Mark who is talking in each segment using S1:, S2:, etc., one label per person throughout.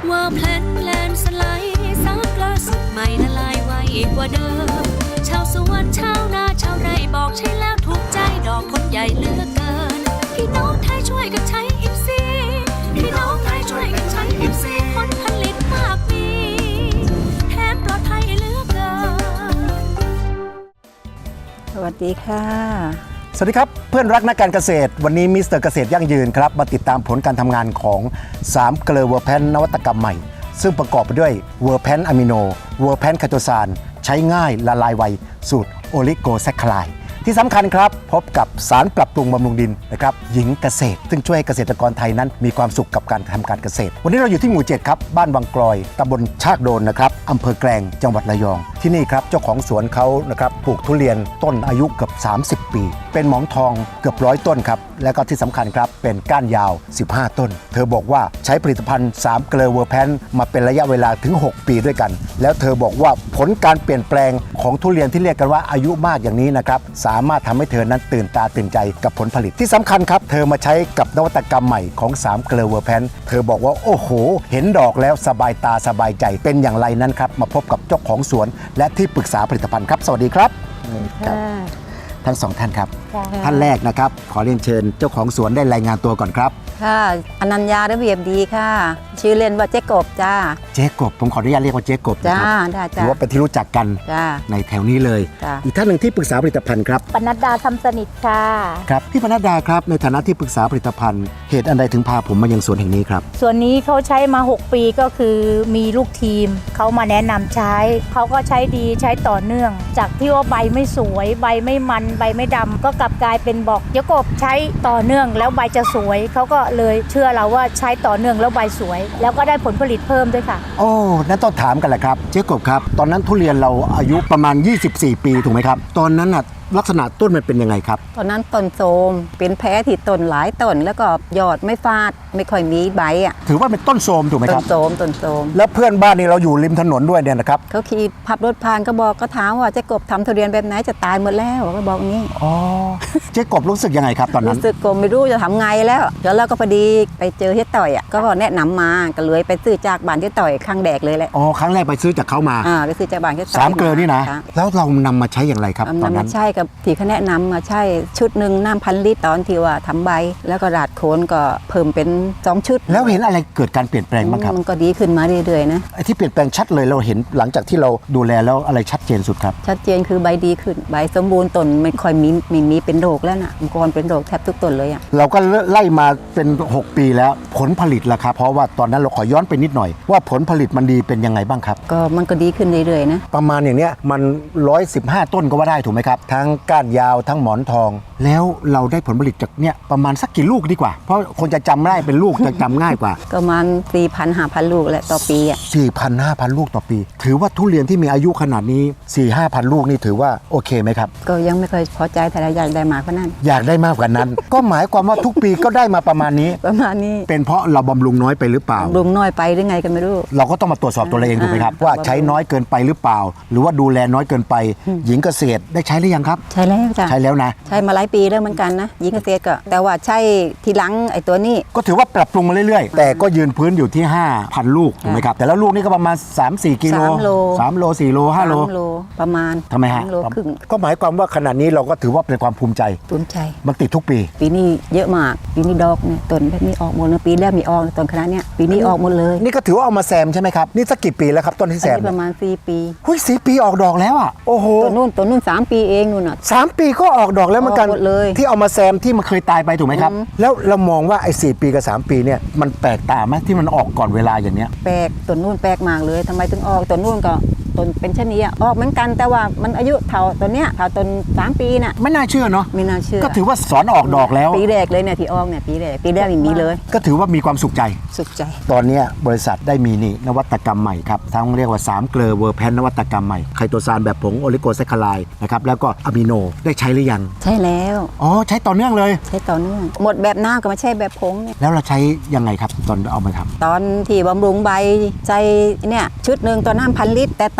S1: ว่าแพลนสไลด์ซักล่าสุดใหม่ละลายไวกว่าเดิมชาวสวนชาวนาชาวไร่บอกใช่แล้วถูกใจดอกคนใหญ่เหลือกเกินพี่น้องไทยช่วยกันใช้อิฟซีพี่น้องไทยช่วยกันใช้อิฟซีผลผลิตมากมีแถมปลอดภัยเหลือกเกิน
S2: สวัสดีค่ะ
S3: สวัสดีครับเพื่อนรักนักการเกษตรวันนี้มิสเตอร์เกษตรยั่งยืนครับมาติดตามผลการทำงานของ3เกลือเวอร์แพนนวัตกรรมใหม่ซึ่งประกอบไปด้วยเวอร์แพนอะมิโนเวอร์แพนคาโตซานใช้ง่ายละลายไวสูตรโอลิโกแซคคลายที่สำคัญครับพบกับสารปรับปรุงบำรุงดินนะครับหญิงเกษตรซึ่งช่วยให้เกษตรกรไทยนั้นมีความสุขกับการทำการเกษตรวันนี้เราอยู่ที่หมู่7ครับบ้านวังกลอยตำบลชากโดนนะครับอำเภอแกลงจังหวัดระยองที่นี่ครับเจ้าของสวนเขานะครับปลูกทุเรียนต้นอายุเกือบ30 ปีเป็นหมอนทองเกือบ100ต้นครับและก็ที่สำคัญครับเป็นก้านยาว15ต้นเธอบอกว่าใช้ผลิตภัณฑ์3เกลือเวอร์แพนมาเป็นระยะเวลาถึง6ปีด้วยกันแล้วเธอบอกว่าผลการเปลี่ยนแปลงของทุเรียนที่เรียกกันว่าอายุมากอย่างนี้นะครับสามารถทำให้เธอนั้นตื่นตาตื่นใจกับผลผลิตที่สำคัญครับเธอมาใช้กับนวัตกรรมใหม่ของ3เกลือเวอร์แพนเธอบอกว่าโอ้โหเห็นดอกแล้วสบายตาสบายใจเป็นอย่างไรนั้นครับมาพบกับเจ้าของสวนและที่ปรึกษาผลิตภัณฑ์ครับสวัสดีครับทั้งสองท่านครับท่านแรกนะครับขอเรียนเชิญเจ้าของสวนได้รายงานตัวก่อนครับ
S2: ค่ะอนัญญาระเบียบดีค่ะชื่อเล่นว่าเจ๊กบจ้า
S3: เจ๊กบผมขออนุญาตเรียกว่าเจ๊กบนะครับ
S2: ได้จ้า
S3: ถือว่าเป็นที่รู้จักกันในแถวนี้เลยอีกท่านหนึ่งที่ปรึกษาผลิตภัณฑ์ครับ
S4: ปนัดดาทำสนิทค่ะ
S3: ครับพี่ปนัดดาครับในฐานะที่ปรึกษาผลิตภัณฑ์เหตุอันใดถึงพาผมมายังสวนแห่งนี้ครับ
S4: ส่วนนี้เขาใช้มา6ปีก็คือมีลูกทีมเขามาแนะนำใช้เขาก็ใช้ดีใช้ต่อเนื่องจากที่ว่าใบไม่สวยใบไม่มันใบไม่ดำก็กลับกลายเป็นบอกเจ๊กบใช้ต่อเนื่องแล้วใบจะสวยเขาก็เลยเชื่อเราว่าใช้ต่อเนื่องแล้วใบสวยแล้วก็ได้ผลผลิตเพิ่มด้วยค่ะ
S3: โอ้นั่นต้องถามกันแหละครับเจ๊กบครับตอนนั้นทุเรียนเราอายุประมาณ24 ปีถูกไหมครับตอนนั้นน่ะลักษณะต้นมันเป็นยังไงครับ
S2: ตอนนั้นต้นโทรมเป็นแผลที่ต้นหลายต้นแล้วก็ยอดไม่ฟาดไม่ค่อยมีใบอ่ะ
S3: ถือว่าเป็นต้นโทรมถูกไหมครับ
S2: ต้นโทรม
S3: แล้วเพื่อนบ้านนี่เราอยู่ริมถนนด้วยเนี่ยนะครับ
S2: เขาขี่ขับรถผ่านก็ถามว่าเจ๊กบทำทุเรียนแบบไหนจะตายหมดแล้วก็บอกงี้
S3: อ๋อเจ๊กบรู้สึกยังไงครับตอนนั้น
S2: รู้สึกก็ไม่รู้จะทำไงแล้วแล้วก็พอดีไปเจอเจ๊ต่อยอ่ะก็แนะนำมาก็เลยไปซื้อจากบ้านเจ๊ต่อยข้างแดกเลยแหละ
S3: อ๋อครั้งแรกไปซื้อจากเขามา
S2: ไปซื้อจากบ้านเจ๊ต่อย
S3: 3เกลือนี่นะแล้วเรานำมาใช้อย่างไรครับตอนนั้น
S2: ใช่กับที่เขาแนะนำมาใช่ชุดหนึ่งน้ำ1,000 ลิตรตอนที่ว่าทำใบแล้วก็ราดโคนก็เพิ่มเป็น2ชุด
S3: แล้วเห็นอะไรเกิดการเปลี่ยนแปลงบ้างครับ
S2: มันก็ดีขึ้นมาเรื่อยๆนะ
S3: ไอ้ที่เปลี่ยนแปลงชัดเลยเราเห็นหลังจากที่เราดูแลแล้วอะไรชัดเจนสุดครับ
S2: ชัดเจนคือใบดีขึ้นใบสมบูรณ์ต้นไม่ค่อยมีเป็นโรคแล้วนะก่อนเป็นโรคแทบทุกต้นเลยอ่ะ
S3: เราก็ไล่มาเป็น6ปีแล้วผลผลิตล่ะครับเพราะว่าตอนนั้นเราขอย้อนไปนิดหน่อยว่าผลผลิตมันดีเป็นยังไงบ้างครับ
S2: ก็มันก็ดีขึ้นเรื่อยๆนะ
S3: ประมาณอย่างเนี้ยมัน115ต้นก็ว่าได้ถูกไหมครับทั้งก้านยาวทั้งหมอนทองแล้วเราได้ผลผลิตจากเนี่ยประมาณสักกี่ลูกดีกว่าเพราะคนจะจำได้เป็นลูกจะจำง่ายกว่า
S2: ประมาณ 4,000-5,000 ลูกแหละต่อปีอ่ะ
S3: 4,000-5,000 ลูกต่อปีถือว่าทุเรียนที่มีอายุขนาดนี้ 4-5,000 ลูกนี่ถือว่าโอเคไหมครับ
S2: ก็ยังไม่เคยพอใจแต่อยากได้มากกว่านั้น
S3: อยากได้มากกว่านั้น ก็หมายความว่าทุกปีก็ได้มาประมาณนี้เป็นเพราะเราบำรุงน้อยไปหรือเปล่า
S2: บำรุงน้อยไปหรือไงกันไม่รู้
S3: เราก็ต้องมาตรวจสอบตัวเราเองถูกไหมครับว่าใช้น้อยเกินไปหรือเปล่าหรือว่าดูแลน้อยเกินไปหญิงเกษตรได้ใช้หรือยังครับ
S2: ใช้แล้วจ้ะ
S3: ใช้แล้วนะ
S2: ใช้มาหลายปีแล้วเหมือนกันนะหญิงเกษตรก็แต่ว่าใช้ทีหลังไอ้ตัวนี้
S3: ก็ถือว่าปรับปรุงมาเรื่อยๆแต่ก็ยืนพื้นอยู่ที่ 5,000 ลูกถูกไหมครับแต่แล้วลูกนี่ก็ประมาณ 3-4 กิโล3 โล 4 โล 5 โล
S2: ประมาณ
S3: ทำไมฮะก็หมายความว่าขนาดนี้เราก็ถือว่าเป็นความภูมิใจมันติดทุกปี
S2: ปีนี้เยอะมากปีนี้ดอกเนี่ยต้นแบบนี้ออกหมดเลยปีแรกมีออกต้นขนาดเนี้ยปีนี้ออกหมดเลย
S3: นี่ก็ถือว่าเอามาแซมใช่ไหมครับนี่สักกี่ปีแล้วครับต้นที่แซม
S2: ประมาณ4 ปี
S3: 4 ปีออกดอกแล้วอ่ะโอ้โห
S2: ต้นนู่น3 ปีเองนู่นอ่ะ
S3: 3 ปีก็ออกดอกแล้วเหมือนกันที่เอามาแซมที่มันเคยตายไปถูกไหมครับแล้วเรามองว่าไอ้4 ปีกับ3 ปีเนี่ยมันแปลกตาไหมที่มันออกก่อนเวลาอย่างเนี้ย
S2: แปลกต้นนู่นแปลกมากเลยทำไมถึงออกต้นนู่นก็ต้นเป็นชนิดออกเหมือนกันแต่ว่ามันอายุเท่าต้นเนี้ยเท่าต้น3 ปีน่ะ
S3: ไม่น่าเชื่อเนาะ
S2: ไม่น่าเชื่อ
S3: ก็ถือว่าสอนออกดอกแล้ว
S2: ปีแรกเลยเนี่ยที่ออกเนี่ยปีแรกมีเลย
S3: ก็ถือว่ามีความสุขใจตอนนี้บริษัทได้มีนี่นวัตกรรมใหม่ครับทั้งเรียกว่า3เกลือเวอร์แพนนวัตกรรมใหม่ไคโตซานแบบผงโอลิโกแซคคลายนะครับแล้วก็อะมิโนได้ใช้หรือยัง
S2: ใช่แล้ว
S3: อ๋อใช้ต่อเนื่องเลย
S2: ใช้ต่อเนื่องหมดแบบน้ำก็มาใช้แบบผงเนี่ย
S3: แล้วเราใช้ยังไงครับตอนเอามาทำ
S2: ตอนที่บำรุงใบใจเนี่ยชุดหนึ่งตัวน้ำ1,000 ลิตรแต่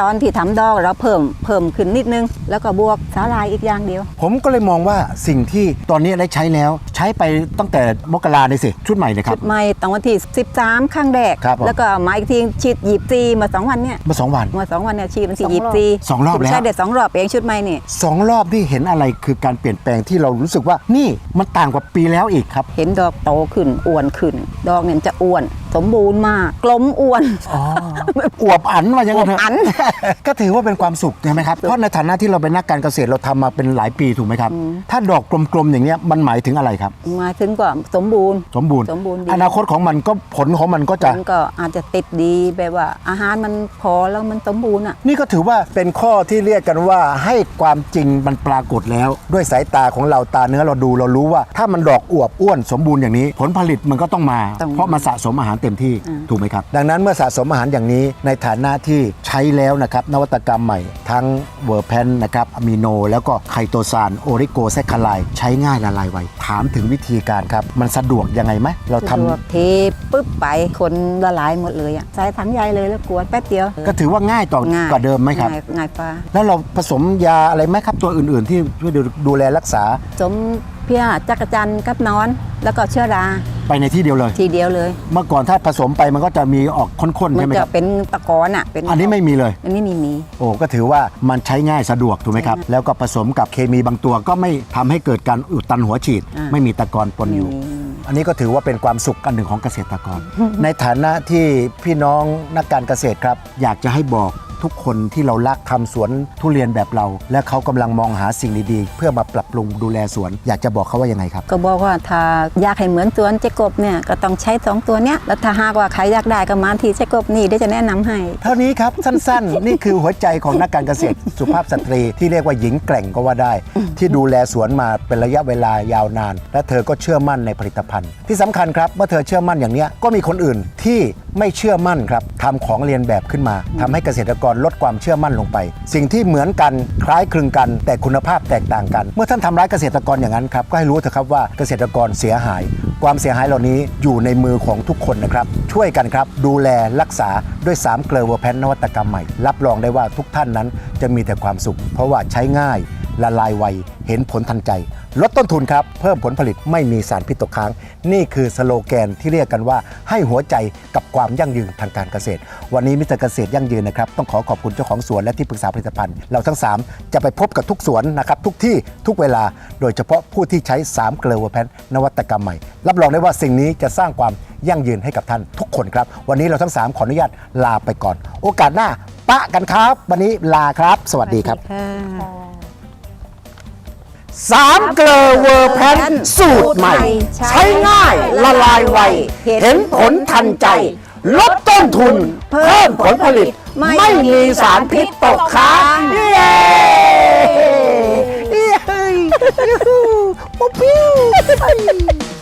S2: ตอนที่ทำดอกเราเพิ่มขึ้นนิดนึง แล้วก็บวกสาลายอีกอย่างเดียว
S3: ผมก็เลยมองว่าสิ่งที่ตอนนี้ได้ใช้แล้วใช้ไปตั้งแต่มกราเลยสิชุดใหม่เลยครั
S2: ชุ
S3: บ
S2: ดใหม่ตั้งวันที่13ข้างแรก
S3: ครับผม
S2: แล้วก็มาอีกทีฉีด24มา2 วันเนี่ย
S3: มา2 วัน
S2: มา2 วันเนี่ยฉีดวันที่
S3: สองรอบแล้ว
S2: ใช่เด็ด2 รอบเองชุดใหม่นี่
S3: 2 รอบที่เห็นอะไรคือการเปลี่ยนแปลงที่เรารู้สึกว่านี่มันต่างกว่าปีแล้วอีกครับ
S2: เห็นดอกโตขึ้นอ้วนขึ้น ดอกเนี่ยมันจะอ้วน สมบูรณ์มากกลมอ้วน
S3: อวบอันว่าอย่างนั้นเถ
S2: อวบอั
S3: อะ
S2: น
S3: ก็ถือว่าเป็นความสุขใช่ไหมครับเพราะในฐานะที่เราเป็นนักการเกษตรเราทำมาเป็นหลายปีถูกไหมครับถ้าดอกกลมๆอย่างเงี้ยมันหมายถึงอะไรครับ
S2: มาถึงก็สมบูรณ์
S3: สมบูรณ์
S2: สมบูรณ์ดี
S3: อนาคตของมันก็ผลของมันก็จะ
S2: มันก็อาจจะติดดีแบบว่าอาหารมันพอแล้วมันสมบูรณ์อ่ะ
S3: นี่ก็ถือว่าเป็นข้อที่เรียกกันว่าให้ความจริงมันปรากฏแล้ว ด้วยสายตาของเราตาเนื้อเราดูเรารู้ว่า ถ้ามันดอกอวบอ้วนสมบูรณ์อย่างนี้ ผลผลิตมันก็ต้องมา
S2: ต้อง
S3: เพราะมันสะสมอาหารเต็มที่
S2: อืม
S3: ถูกไหมครับ ดังนั้นเมื่อสะสมอาหารอย่างนี้ในฐานะที่ใช้แล้วนะครับนวัตกรรมใหม่ ทั้งเวอร์แพนนะครับอะมิโน แล้วก็ไคโตซานโอริโกแซคคาไลใช้ง่ายละลายไวถามถึงวิธีการครับมันสะดวกยังไงไหมเราทำ
S2: สะดวกเทปุ๊บไปคนละลายหมดเลยอ่ะใส่ถังใหญ่เลยแล้วกวนแป๊บเดียว
S3: ก็ถือว่าง่ายต่อ
S2: ง่าย
S3: กว่าเดิมไหมครับ
S2: ง่ายฟ้า
S3: แล้วเราผสมยาอะไรไหมครับตัวอื่นๆ ที่ช่วยดูแลรักษา
S2: สมเพี้ยจักรจันทร์กับนอน แล้วก็เชื้อรา
S3: ไปในที่เดียวเลย
S2: ทีเดียวเลย
S3: เมื่อก่อนถ้าผสมไปมันก็จะมีออกข้นๆ
S2: มั
S3: ใช่ไหม
S2: จะ
S3: ครับ
S2: เป็นตะกอนอ่ะเป็น
S3: อันนี้ไม่มีเลย
S2: อันนี้มี
S3: โอ้ก็ถือว่ามันใช้ง่ายสะดวกถูกไหมครับ
S2: ใช่
S3: แล้วก็ผสมกับเคมีบางตัวก็ไม่ทำให้เกิดการอุดตันหัวฉีด
S2: อ่า
S3: ไม่มีตะกอนปนอยู่ อันนี้ก็ถือว่าเป็นความสุขอันหนึ่งของเกษตรกร ในฐานะที่พี่น้องนักการเกษตรครับ อยากจะให้บอกทุกคนที่เรารักทำสวนทุเรียนแบบเรา และเขากำลังมองหาสิ่งดีๆ เพื่อมาปรับปรุงดูแลสวน อยากจะบอกเขาว่ายังไงครับ
S2: ก็บอกว่าถ้าอยากให้เหมือนสวนเจ๊กบเนี่ยก็ต้องใช้2 ตัวเนี้ยแล้วถ้าหากว่าใครอยากได้ก็มาที่เจ๊กบนี่เดี๋ยวจะแนะนำให้
S3: เท่านี้ครับ สั้นๆ นี่คือหัวใจของนักการเกษตร สุภาพสตรีที่เรียกว่าหญิงแกร่งก็ว่าได้ ที่ดูแลสวนมาเป็นระยะเวลายาวนาน และเธอก็เชื่อมั่นในผลิตภัณฑ์ ที่สำคัญครับเมื่อเธอเชื่อมั่นอย่างเนี้ยก็มีคนอื่นที่ไม่เชื่อมั่นครับทำของเรียนแบบขึ้นมาทำให้เกษตรกรลดความเชื่อมั่นลงไป สิ่งที่เหมือนกันคล้ายคลึงกัน แต่คุณภาพแตกต่างกัน เมื่อท่านทำร้ายเกษตรกรอย่างนั้นครับก็ให้รู้เถอะครับว่าเกษตรกรเสียหาย ความเสียหายเหล่านี้อยู่ในมือของทุกคนนะครับช่วยกันครับดูแลรักษาด้วย3เกลือเวอร์แพนนวัตกรรมใหม่รับรองได้ว่าทุกท่านนั้นจะมีแต่ความสุข เพราะว่าใช้ง่ายละลายไวเห็นผลทันใจ ลดต้นทุนครับเพิ่มผลผลิตไม่มีสารพิษตกค้างนี่คือสโลแกนที่เรียกกันว่าให้หัวใจกับความยั่งยืนทางการเกษตร วันนี้มิสเตอร์เกษตรยั่งยืนนะครับต้องขอคุณเจ้าของสวนและที่ปรึกษาผลิตภัณฑ์เราทั้ง3จะไปพบกับทุกสวนนะครับทุกที่ทุกเวลาโดยเฉพาะผู้ที่ใช้3เกลือเวอร์แพนนวัตกรรมใหม่รับรองได้ว่าสิ่งนี้จะสร้างความยั่งยืนให้กับท่านทุกคนครับวันนี้เราทั้ง3ขออนุญาตลาไปก่อนโอกาสหน้าปะกันครับวันนี้ลาครับสวัสดีครับ 3 เกลือเวอร์แพนสูตรใหม่ ใช้ง่ายละลายไว เห็นผลทันใจ ลดต้นทุน เพิ่มผลผลิต ไม่มีสารพิษตกค้างเย้เย้ยูฮูปุ๊บปิ้ว